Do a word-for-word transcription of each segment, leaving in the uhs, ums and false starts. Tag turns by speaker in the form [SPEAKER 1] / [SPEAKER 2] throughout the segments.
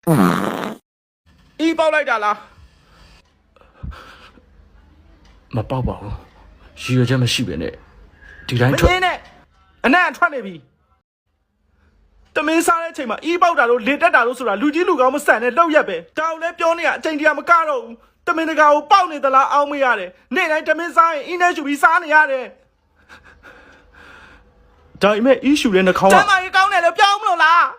[SPEAKER 1] အီးပေါက်လိုက်တာလားမပေါက်ပါဘူးရည်ရွယ်ချက်မရှိပဲနဲ့ဒီတိုင်းထွက်မင်းနဲ့အနံ့ထွက်နေပြီတမင်းစားတဲ့အချိန်မှာအီးပေါက်တာလို့လေတက်တာလို့ဆိုတာလူကြီးလူကောင်းမဆန်တဲ့လောက်ရက်ပဲဒါကိုလည်းပြောနေရအချိန်တရာမကတော့ဘူးတမင်းတကာကိုပေါက်နေသလားအောင်းမရတယ်နေ့တိုင်းတမင်းစားရင်အင်းနဲ့ရှူပြီးစားနေရတယ်ဒါပေမဲ့အီးရှူတဲ့နှာခေါင်းကတမကြီးကောင်းတယ်လို့ပြောင်းမလို့လား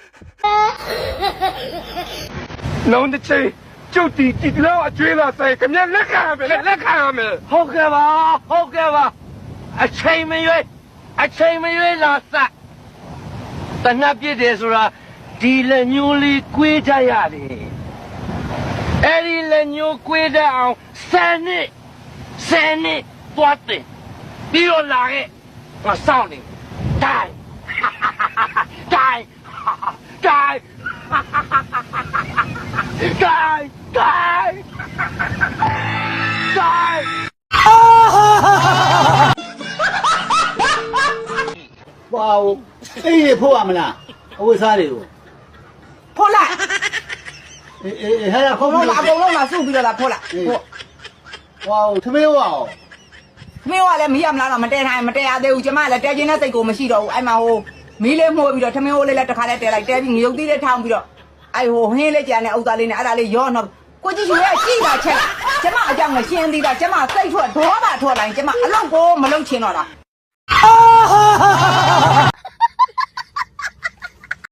[SPEAKER 2] လုံးတစ်ချိန်ကျုပ်တီတီလောက်အကျွေးလာဆိုင်ခမလက်ခံရမယ်လက်ခံရမယ်
[SPEAKER 3] ဟုတ်ကဲ့ပါဟုတ်ကဲ့ပါအချိန်မရွေးအချိန်မရွေးလာစတနပ်ပြစ်တယ်ဆိုတာဒီလက်ညိုးလေးကွေးကြရတယ်အဲ့ဒီလက်ညိုးကွေးတဲ့အောင်ဆယ်နှစ်ဆယ်နှစ်သွားတယ်ပြီးတော့လာခဲ့ငါစောင့်နေတိုင်းတိုင်းတိုင်းတိုင်းတိုင်းတိုင်း
[SPEAKER 4] ဝါးအေးဖို့ရမလားအဝတ်စားတွေကို
[SPEAKER 5] ဖော်လိုက်
[SPEAKER 4] အေးအေးဟဲ့ခုံး
[SPEAKER 5] လုံးလားအကုန်လုံးလားစုပြီးတော့လားဖော်လိုက်
[SPEAKER 4] ဝါးသမီးဝါး
[SPEAKER 5] မင်းကလည်းမီးရမလားတော့မတဲထိုင်မတဲရသေးဘူးကျမလည်းတဲချင်းတဲ့စိတ်ကိုမရှိတော့ဘူးအဲ့မှာဟိုမီးလေးမှုတ်ပြီးတော့ထမင်းဟိုးလေးလည်းတစ်ခါလေးတဲလိုက်တဲပြီးငရုတ်သီးလေးထောင်းပြီးတော့အဲ့ဟိုဟင်းလေးကြံတဲ့ဥသားလေးနဲ့အဲ့ဒါလေးရောတော့ကိုကြည့်ရွေးကြည့်တာချက်ကျမအကြောင်းကိုရှင်းသေးတာကျမစိတ်ထွက်ဒေါသထွက်လိုက်ကျမအလောက်ကိုမလုံချင်တော့တာ